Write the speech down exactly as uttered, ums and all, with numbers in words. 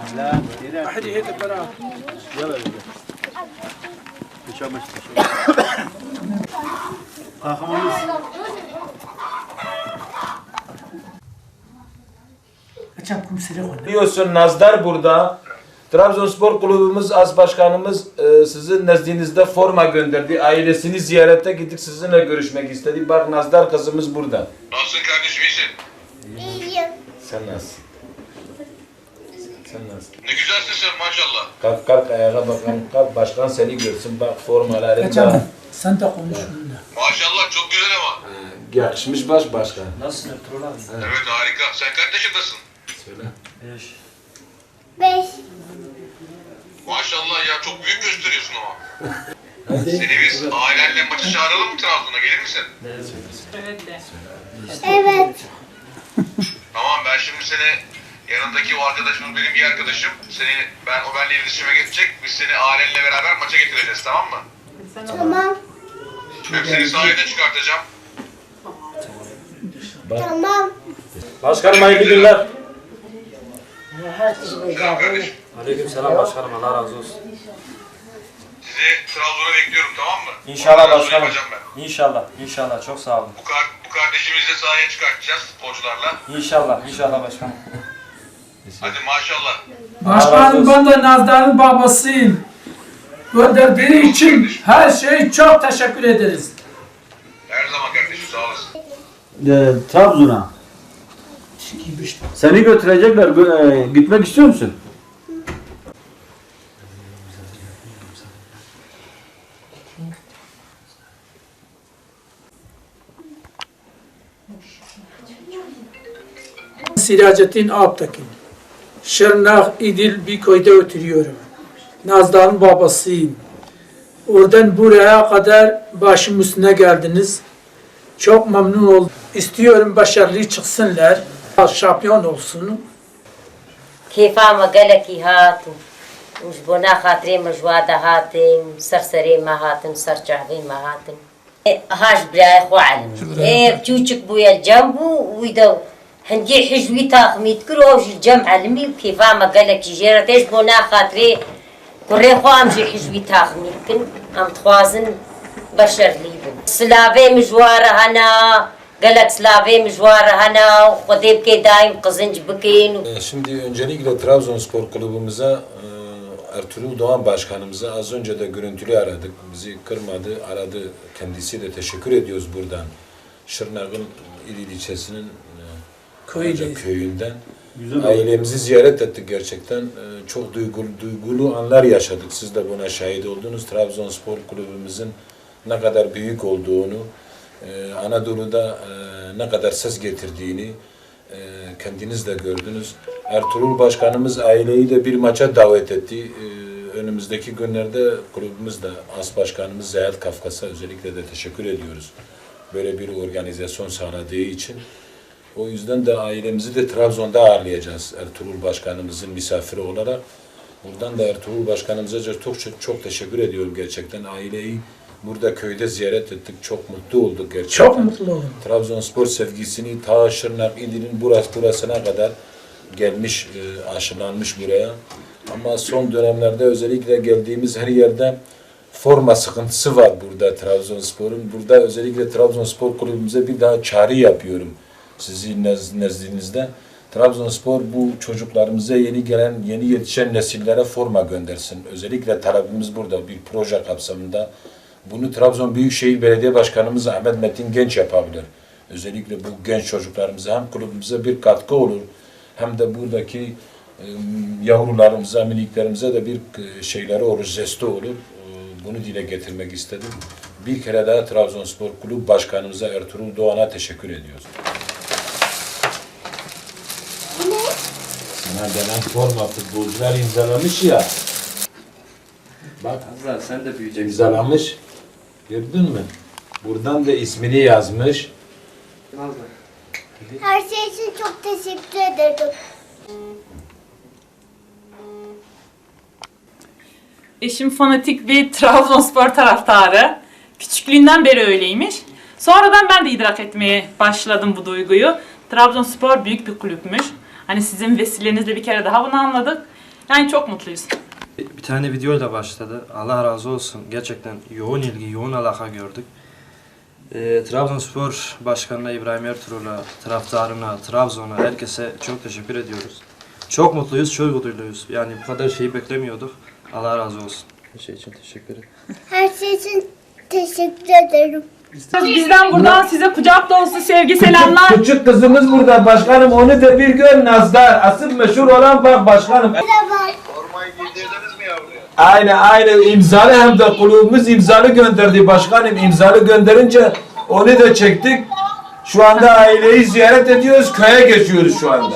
Hadi hadi beraber. Yalla bize. Dışarı dışarı. Kahramanız. Kaçam kumsere oyna. Biliyorsun Nazdar burada. Trabzonspor kulübümüz as başkanımız e, sizin nezdinizde forma gönderdi. Ailesini ziyarete gittik, sizinle görüşmek istedi. Bak Nazdar kızımız burada. Nasılsın kardeşim, iyisin? İyiyim. Sen nasılsın? Sen nasılsın? Ne güzelsin sen maşallah. Kalk kalk ayağa bakalım. Kalk başkan seni görsün. Bak formalarında. Kaçam sen de konuş bununla. Maşallah çok güzel ama. Yakışmış baş başkan. Nasılsın Ertuğrul abi? Evet harika. Sen kaç yaşındasın? Söyle. Beş. Beş. Maşallah ya çok büyük gösteriyorsun ama. Seni biz ailenle maçı çağıralım mı Trabzon'a, gelir misin? Evet. Tamam, ben şimdi seni, yanındaki o arkadaşımız benim bir arkadaşım. Seni, ben o benimle iletişime geçecek. Biz seni ailenle beraber maça getireceğiz, tamam mı? Tamam. Hem seni sahaya da çıkartacağım. Tamam. Başkanım hayırlı günler. Selam kardeşim. Aleyküm selam başkanım, Allah razı olsun. Sizi Trabzon'a bekliyorum, tamam mı? İnşallah Organizasyonu başkanım. yapacağım ben. İnşallah, inşallah çok sağ olun. Bu, kar, bu kardeşimizi de sahaya çıkartacağız sporcularla. İnşallah, inşallah başkanım. Hadi maşallah. Başkanım ben de Nazdar'ın babasıyım. Gönderdiği için her şey çok teşekkür ederiz. Her zaman kardeşim, sağ olasın. Ee, Trabzon'a. Seni götürecekler. Gö- e, gitmek istiyor musun? Siracettin Alptekin. Şırnak İdil bir köyde oturuyorum. Nazdar'ın babasıyım. Oradan buraya kadar başım üstüne geldiniz. Çok memnun oldum. İstiyorum başarılı çıksınlar. Şampiyon olsun. كيفا ما قالك هاتو وجبونا خاطري مجوادة هاتم سرسري ما هاتم سرجعبي ما هاتم هاش بلا خو علم ايه بتوچك بويا الجنبو ويدو هندي حجوي تاخمي تكروش الجمع علمي كيفا ما قالك جيرة ايش بونا خاطري كوري خو امجي حجوي تاخمي كن ام تخوازن بشر ليبن سلافي مجوارة هنا قالك سلافي مجوارة هنا وخذي بكي دايم قزنج بكين Şimdi öncelikle Trabzonspor kulübümüze e, Ertuğrul Doğan başkanımıza az önce de görüntülü aradık. Bizi kırmadı, aradı. Kendisiyle teşekkür ediyoruz buradan. Şırnak'ın İdil ilçesinin e, Köyde. köyünden. Güzel Ailemizi ziyaret ettik gerçekten. E, çok duygulu, duygulu anlar yaşadık. Siz de buna şahit oldunuz. Trabzonspor kulübümüzün ne kadar büyük olduğunu, e, Anadolu'da e, ne kadar ses getirdiğini e, kendiniz de gördünüz. Ertuğrul Başkanımız aileyi de bir maça davet etti. E, önümüzdeki günlerde kulübümüz de As Başkanımız Zeyat Kafkas'a özellikle de teşekkür ediyoruz. Böyle bir organizasyon sağladığı için. O yüzden de ailemizi de Trabzon'da ağırlayacağız Ertuğrul Başkanımızın misafiri olarak. Buradan da Ertuğrul Başkanımıza çok çok, çok teşekkür ediyorum gerçekten. Aileyi burada köyde ziyaret ettik. Çok mutlu olduk gerçekten. Çok mutlu oldum. Trabzonspor sevgisini ta Şırnak İdil'in burası burasına kadar gelmiş, e, aşılanmış buraya. Ama son dönemlerde özellikle geldiğimiz her yerde forma sıkıntısı var burada Trabzonspor'un. Burada özellikle Trabzonspor kulübümüze bir daha çağrı yapıyorum sizin nezdinizde. Trabzonspor bu çocuklarımıza yeni gelen, yeni yetişen nesillere forma göndersin. Özellikle talebimiz burada bir proje kapsamında. Bunu Trabzon Büyükşehir Belediye Başkanımız Ahmet Metin Genç yapabilir. Özellikle bu genç çocuklarımıza hem kulübümüze bir katkı olur, hem de buradaki e, yavrularımıza, miniklerimize de bir e, şeyleri olur, jesti olur. E, bunu dile getirmek istedim. Bir kere daha Trabzonspor Kulüp Başkanımıza Ertuğrul Doğan'a teşekkür ediyoruz. Sana gelen forma futbolcular imzalamış ya. Bak Hazar sen de büyüyeceksin. imzalamış. Gördün mü? Buradan da ismini yazmış. Her şey için çok teşekkür ederim. Eşim fanatik bir Trabzonspor taraftarı. Küçüklüğünden beri öyleymiş. Sonradan ben de idrak etmeye başladım bu duyguyu. Trabzonspor büyük bir kulüpmüş. Hani sizin vesilenizle bir kere daha bunu anladık. Yani çok mutluyuz. Bir tane videoyla başladı. Allah razı olsun. Gerçekten yoğun ilgi, yoğun alaka gördük. Ee, Trabzonspor Başkanı'na, İbrahim Ertuğrul'a, taraftarına, Trabzon'a, herkese çok teşekkür ediyoruz. Çok mutluyuz, çok mutluyuz. Yani bu kadar şeyi beklemiyorduk. Allah razı olsun. Her şey için teşekkür ederim. Her şey için teşekkür ederim. Bizden buradan size kucak dolusu sevgi selamlar. Küçük kızımız burada başkanım, onu da bir gör Nazlar. Asıl meşhur olan bak başkanım. Merhaba. Formayı giydirdiniz mi yavruya? Aynen aynen imzalı, hem de kulübümüz imzalı gönderdi başkanım. İmzalı gönderince onu da çektik. Şu anda aileyi ziyaret ediyoruz, köye geçiyoruz şu anda.